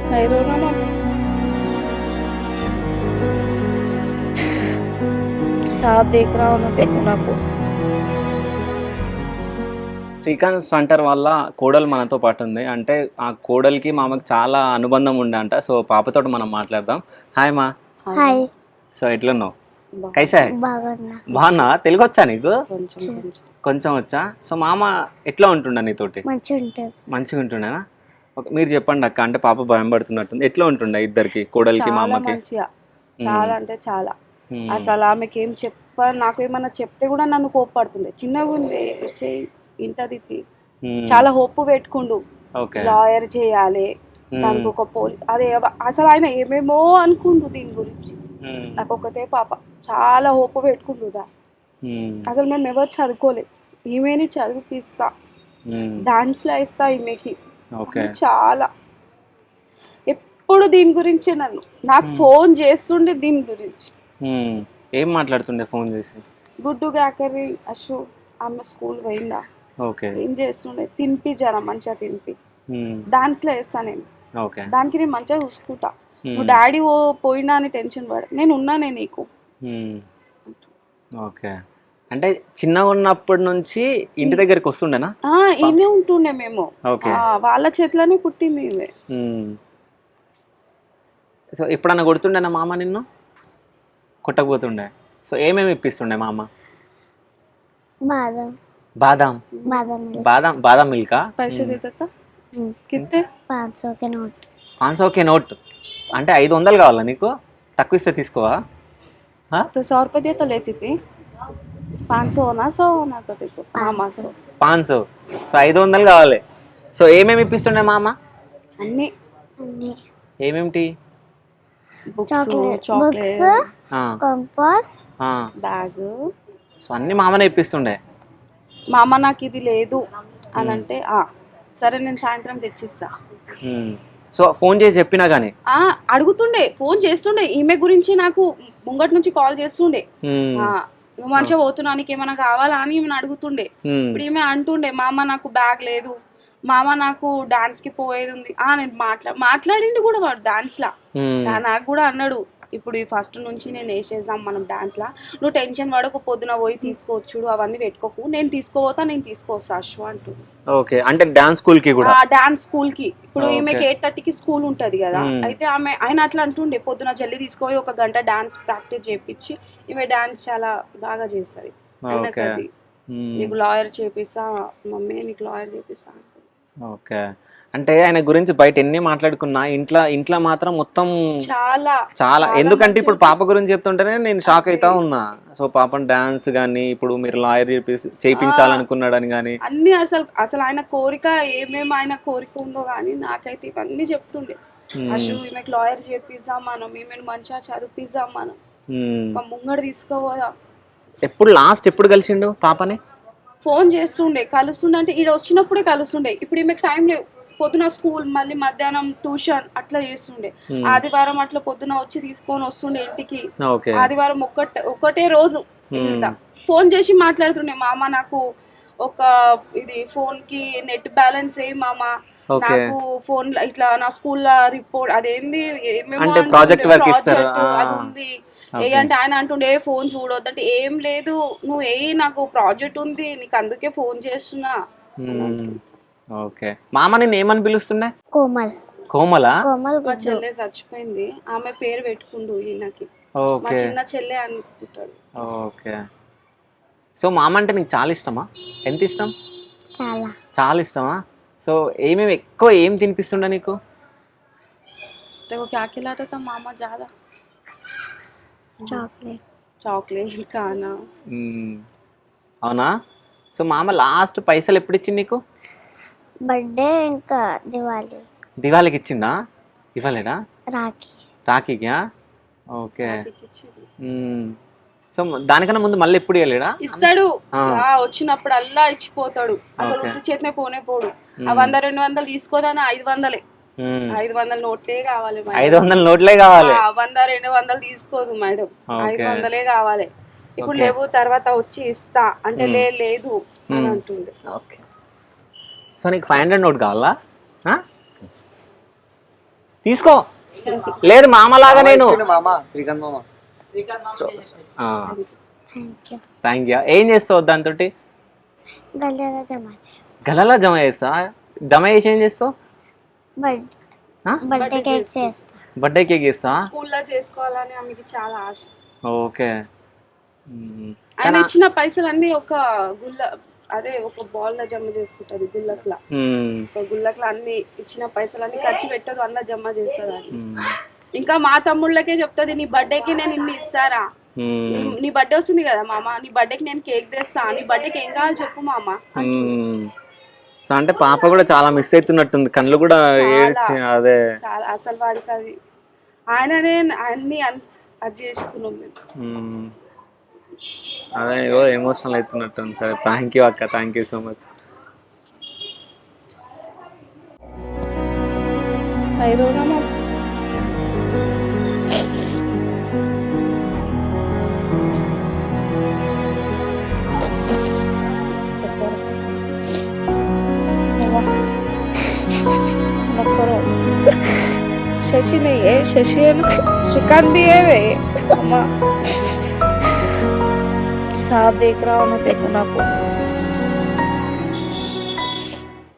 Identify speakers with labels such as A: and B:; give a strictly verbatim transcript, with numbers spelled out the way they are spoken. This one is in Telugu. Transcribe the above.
A: I don't know. साहब देख रहा हूँ ना, देखो ना को.
B: శ్రీకాంత్ స్టంటర్ వల్ల కోడలు మనతో పాటు ఉంది. అంటే ఆ కోడలికి మామకి చాలా అనుబంధం ఉండే అంట. సో పాపతో మనం మాట్లాడదాం. హాయ్ మా.
C: హాయ్.
B: సో ఎట్లున్నావు? కైసా?
C: బాగున్నా.
B: బాగున్నా? తెలుగు వచ్చా నీకు?
A: కొంచెం కొంచెం
B: కొంచెం వచ్చా. సో మామ ఎట్లా ఉంటుండ నీతోటి?
C: మంచిగా ఉంటుంది.
B: మంచిగా ఉంటుండేనా? ఓకే, మీరు చెప్పండి అక్క. అంటే పాప భయం పడుతున్నట్టుంది. ఎట్లా ఉంటుండే ఇద్దరికి, కోడలికి
A: చాలా
B: మామకి?
A: మంచిగా, చాలా అంటే చాలా. అసలు ఆమెకి ఏం చెప్ప నాకు ఏమన్నా చెప్తే కూడా నన్ను కోప్పడుతుండే. చిన్నగా ఉంది, చేయి ఇంటది తీ. చాలా హోప్ పెట్టుకుండు,
B: ఓకే
A: లాయర్ చేయాలి, దానికి ఒక పోలీస్, అదే అసలు ఆయన ఏమేమో అనుకుండు దీని గురించి. నాకు ఒకతే పాప, చాలా హోప్ పెట్టుకుంటుందా. అసలు మేము ఎవరు చదువుకోలేదు, ఈమెని చదివిపిస్తా, డాన్స్లో ఇస్తా ఈమెకి. చాలా ఎప్పుడు దీని గురించి నన్ను నాకు ఫోన్ చేస్తుండే దీని గురించి.
B: ఏం మాట్లాడుతుండే ఫోన్ చేసి?
A: గుడ్డు గాకరి అశు ఆమె స్కూల్ పోయిందా,
B: ఓకే
A: ఏం చేస్తుండే, తినిపి జర మంచిగా తినిపి, డాన్స్లో వేస్తా నేను, దానికి నేను మంచిగా చూసుకుంటా, నువ్వు డాడీ ఓ పోయినా అని టెన్షన్ పడ, నేను ఉన్నానే నీకు.
B: ఓకే, అంటే చిన్నగా ఉన్నప్పటి నుంచి ఇంటి దగ్గరికి వస్తుండేనా?
A: ఈయనే ఉంటుండే మేము, వాళ్ళ చేతిలోనే పుట్టింది ఇవే.
B: సో ఎప్పుడన్నా కొడుతుండేనా మామ నిన్ను? కొట్టకపోతుండే. సో ఏమేమి ఇప్పిస్తుండే మామ?
C: బాదం
B: బాదాం
C: బాదం
B: బాదాం బాదాం మిల్కా?
A: पैसे देता था कितने?
C: पाँच सौ के नोट.
B: పాంచ్ సౌకే నోట్ అంటే ఐదు వందలు కావాలా నీకు? తక్కువ ఇస్తే తీసుకోవా?
A: तो सौ रुपये दिया तो लेती थी, पाँच सौ होना सौ होना तो देखो मामा सौ
B: పాంచ్ సో సో ఐదు వందలు కావాలి. సో ఏమేమి ఇప్పిస్తుండే మామ?
A: అన్నీ
C: అన్ని
B: ఏమేమిటి?
A: Books,
C: books,
A: chocolate,
C: compass,
A: bag.
B: So అన్ని మామనే ఇప్పిస్తుండే.
A: మా అమ్మ నాకు ఇది లేదు అని అంటే ఆ సరే నేను సాయంత్రం తెచ్చిస్తా.
B: సో ఫోన్ చేసి చెప్పినా కానీ
A: ఆ అడుగుతుండే, ఫోన్ చేస్తుండే, ఈమె గురించి నాకు ముంగటి నుంచి కాల్ చేస్తుండే, నువ్వు మంచిగా పోతున్నా నీకు ఏమైనా కావాలా అని ఈమెను అడుగుతుండే. ఇప్పుడు ఈమె అంటుండే మా అమ్మ నాకు బ్యాగ్ లేదు, మా అమ్మ నాకు డాన్స్ కి పోయేది ఉంది. ఆ నేను మాట్లా మాట్లాడిండు కూడా వాడు డాన్స్ లా. నాకు కూడా అన్నాడు, ఇప్పుడు ఈ ఫస్ట్ నుంచి నేను వేసేద్దాం మనం డాన్స్ లా, నువ్వు టెన్షన్ పడకు, పొద్దున పోయి తీసుకోవచ్చు, అవన్నీ పెట్టుకోకు, నేను తీసుకోపోతా, నేను తీసుకొస్తా అశ్వ అంటూ.
B: ఓకే, అంటే డాన్స్ స్కూల్ కి కూడా?
A: డాన్స్ స్కూల్ కి. ఇప్పుడు ఈమెకి ఎయిట్ థర్టీకి స్కూల్ ఉంటది కదా, అయితే ఆమె ఆయన అట్లా అంటుండే, పొద్దున జల్దీ తీసుకుపోయి ఒక గంట డాన్స్ ప్రాక్టీస్ చేపించి, ఈమె డాన్స్ చాలా బాగా చేస్తుంది. ఆయనకు అది నీకు లాయర్ చేపిస్తా మమ్మీ, నీకు లాయర్ చేపిస్తా.
B: ఓకే, అంటే ఆయన గురించి బయట ఎన్ని మాట్లాడుకున్నా ఇంట్లో ఇంట్లో మాత్రం మొత్తం
A: చాలా
B: చాలా. ఎందుకంటే ఇప్పుడు పాప గురించి చెప్తుంటేనే నేను షాక్ అవుతా ఉన్నా. సో పాపం డాన్స్ గానీ, ఇప్పుడు మీరు లాయర్ చేపి చేయించాలనుకున్నాడని కానీ
A: అన్ని, అసలు అసలు ఆయన కోరిక ఏమేమి ఆయన కోరిక ఉందో కానీ నాకైతే ఇవన్నీ చెప్తుండే. అసలు ఈమెకు లాయర్ చేపిస్తాం మనం, ఈమెను మంచిగా చదివిపిస్తాం మనం, ఒక ముంగడు తీసుకోవా.
B: ఎప్పుడు లాస్ట్ ఎప్పుడు కలిసిండు పాపని?
A: ఫోన్ చేస్తుండే, కలుస్తుండే, అంటే ఈడ వచ్చినప్పుడే కలుస్తుండే. ఇప్పుడు ఈమెకు టైం లేవు, పొద్దున స్కూల్, మళ్ళీ మధ్యాహ్నం ట్యూషన్ అట్లా చేస్తుండే. ఆదివారం అట్లా పొద్దున వచ్చి తీసుకొని వస్తుండే ఇంటికి. ఆదివారం ఒక్కటే ఒకటే రోజు ఫోన్ చేసి మాట్లాడుతుండే, మామ నాకు ఒక ఇది ఫోన్ కి నెట్ బ్యాలెన్స్ ఏ మామ, నాకు ఫోన్ ఇట్లా నా స్కూల్లో రిపోర్ట్ అదేంది
B: ప్రాజెక్ట్
A: అది ఉంది ఏ అంటే ఆయన అంటుండే ఏ ఫోన్ చూడొద్దంటే, ఏం లేదు నువ్వు ఏ నాకు ప్రాజెక్ట్ ఉంది నీకు అందుకే ఫోన్ చేస్తున్నా.
B: ఓకే, మామ నిన్ను ఏమని పిలుస్తుండే?
C: కోమల్.
B: కోమలా?
C: కోమల్.
A: మా చెల్లె చచ్చిపోయింది, ఆమె పేరు పెట్టుకుండు ఈయనకి, మా చిన్న చెల్లె అనుకుంటాడు.
B: ఓకే, సో మామ అంటే నీకు చాలా ఇష్టమా? ఎంత ఇష్టం?
C: చాలా
B: చాలా ఇష్టమా? సో ఏమేమి ఎక్కువ ఏం తినిపిస్తుండే నీకు?
A: क्या खिलाता था मामा ज्यादा?
C: చాక్లెట్.
A: చాక్లెట్ కానా?
B: అవునా? సో మామ లాస్ట్ పైసలు ఎప్పుడు ఇచ్చింది నీకు?
C: బర్త్డే ఇంకా దివాళీ.
B: దివాళీకి ఇచ్చిందా? ఇవ్వలేడా?
C: రాఖీ.
B: రాఖీకా? ఓకే. సో దానికన్నా ముందు మళ్ళీ ఎప్పుడు ఇవ్వలేడా?
A: ఇస్తాడు, వచ్చినప్పుడు అల్లా ఇచ్చిపోతాడు, అసలు ఉట్టి చేతనే పోనే పోడు. ఆ వంద రెండు వందలు తీసుకోదాని ఐదు వందలే, ఐదు వందల నోట్లే కావాలి,
B: ఐదు వందల నోట్లే కావాలి,
A: వంద రెండు వందలు తీసుకోదు మేడం, ఐదు వందలే కావాలి. ఇప్పుడు లేవు తర్వాత వచ్చి ఇస్తా అంటే లేదు అని అంటుండే.
B: ఓకే, సో నీకు ఫైవ్ హండ్రెడ్ నోట్ కావాలా? తీసుకో. లేదు మామలాగా నేను
D: మామ శ్రీకాంత్ మామ.
C: Thank you.
B: Thank you. ఏం చేస్తావు దాంతో?
C: గల్లెల జమ చేస్తా.
B: గలలో జమ చేస్తా. జమ చేసి ఏం చేస్తావు?
C: బర్త్ బర్త్డే కేక్ చేస్తా.
B: బర్త్డే కేక్ చేస్తా.
A: స్కూల్లో చేసుకోవాలని ఆమెకి చాలా ఆశ.
B: ఓకే.
A: ఆయన ఇచ్చిన పైసలన్నీ ఒక గుల్ల అదే ఒక బాల్ లా జమ చేసుకుంటది గుల్లక్లా. ఒక గుల్లక్లా అన్ని ఇచ్చిన పైసలన్నీ ఖర్చు పెట్టదు, అన్న జమ చేస్తుంది అది. ఇంకా మా తమ్ముళ్ళకే చెప్తుంది, నీ బర్త్డేకి నేను ఇన్ని ఇస్తారా, నీ బర్త్డే వస్తుంది కదా మామ, నీ బర్త్డేకి నేను కేక్ తెస్తా, నీ బర్త్డేకి ఏం కావాలి చెప్పు మామ.
B: సో అంటే పాప కూడా చాలా మిస్ అవుతున్నట్టుంది, కళ్ళు కూడా ఏడ్చి. అదే
A: చాలా అసలు వాడికి అది ఆయననే అన్ని అది చేసుకున్నాం మేము.
B: అదే ఎమోషనల్ అవుతున్నట్టుంది. సరే థ్యాంక్ యూ అక్క, thank you so much.
A: Shashi नहीं है, शशि है ना, श्रीकांत भी है वे अम्मा साहब देख रहा हूँ मैं, देखो ना को